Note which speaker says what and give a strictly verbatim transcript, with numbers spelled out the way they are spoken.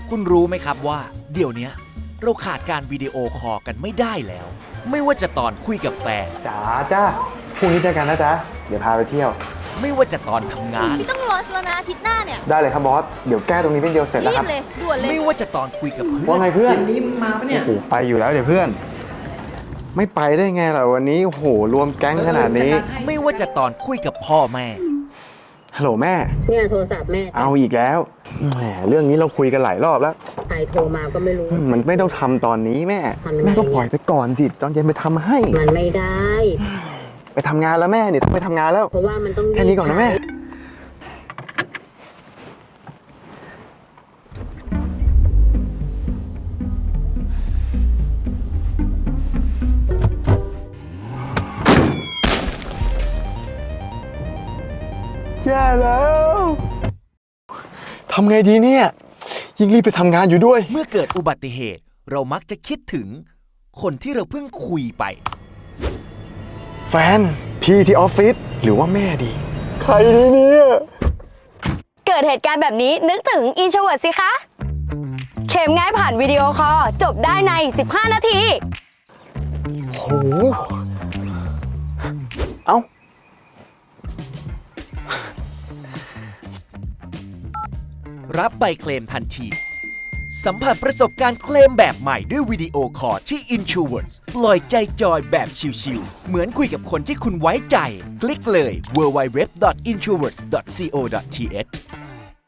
Speaker 1: คุณรู้ไหมครับว่าเดี๋ยวนี้เราขาดการวิดีโอคอลกันไม่ได้แล้ว ไม่ว่าจะตอนคุยกับแฟน
Speaker 2: จ๋าจ้าพรุ่งนี้เจอกันนะจ๊ะเดี๋ยวพาไปเที่ยว
Speaker 1: ไม่ว่าจะตอนทำงาน
Speaker 3: พี่ต้องลอชแล้วนะอาทิตย์หน้าเนี่ย
Speaker 2: ได้เลยครับบอสเดี๋ยวแก้ตรงนี้เป็นเดียวเสร็จแล้ว
Speaker 3: รี
Speaker 2: ครับ บ
Speaker 3: เลยด่วนเลย
Speaker 1: ไม่ว่าจะตอนคุยกับเพื่อ
Speaker 2: ว่าน ไงเพื่อน
Speaker 4: เย็นนี้มึงมาปะเนี่ย
Speaker 2: โอ้โหไปอยู่แล้วเดี๋ยวเพื่อน ไม่ไปได้ไงล่ะวันนี้โอ้โหรวมแก๊งขนาดนี้
Speaker 1: ไม่ว่าจะตอนคุยกับพ่อแม่
Speaker 2: ฮัลโหลแม่
Speaker 5: เนี่ยโทรศัพท์แม่
Speaker 2: เอาอีกแล้วแหมเรื่องนี้เราคุยกันหลายรอบแล้ว
Speaker 5: ใครโทรมาก็ไม่รู้
Speaker 2: มันไม่ต้องทำตอนนี้แม่
Speaker 5: ทำยังไง
Speaker 2: แม่ก็ปล่อยไปก่อนสิตอนเย็นไปทำให้
Speaker 5: มันไม่ได้
Speaker 2: ไปทำงานแล้วแม่เนี่ยต้องไปทำงานแล้ว
Speaker 5: เพราะว่ามันต้อง
Speaker 2: แค่นี้ก่อนนะแม่ แย่แล้วทำไงดีเนี่ยยิ่งรีบไปทำงานอยู่ด้วย
Speaker 1: เมื่อเกิดอุบัติเหตุ เรามักจะคิดถึง คนที่เราเพิ่งคุยไป
Speaker 2: แฟน พี่ที่ออฟฟิศหรือว่าแม่ดี ใครดีเนี่ย
Speaker 6: เกิดเหตุการณ์แบบนี้นึกถึง Introvert สิคะ เข็มง่ายผ่านวิดีโอคอลจบได้ใน สิบห้า นาที
Speaker 2: โห เอ้า
Speaker 1: รับใบเคลมทันที สัมผัสประสบการณ์เคลมแบบใหม่ด้วยวิดีโอคอลที่ Insurance ปล่อยใจจอยแบบชิลๆเหมือนคุยกับคนที่คุณไว้ใจ คลิกเลย ดับเบิลยู ดับเบิลยู ดับเบิลยู ดอท insurance ดอท ซี โอ ดอท ที เอช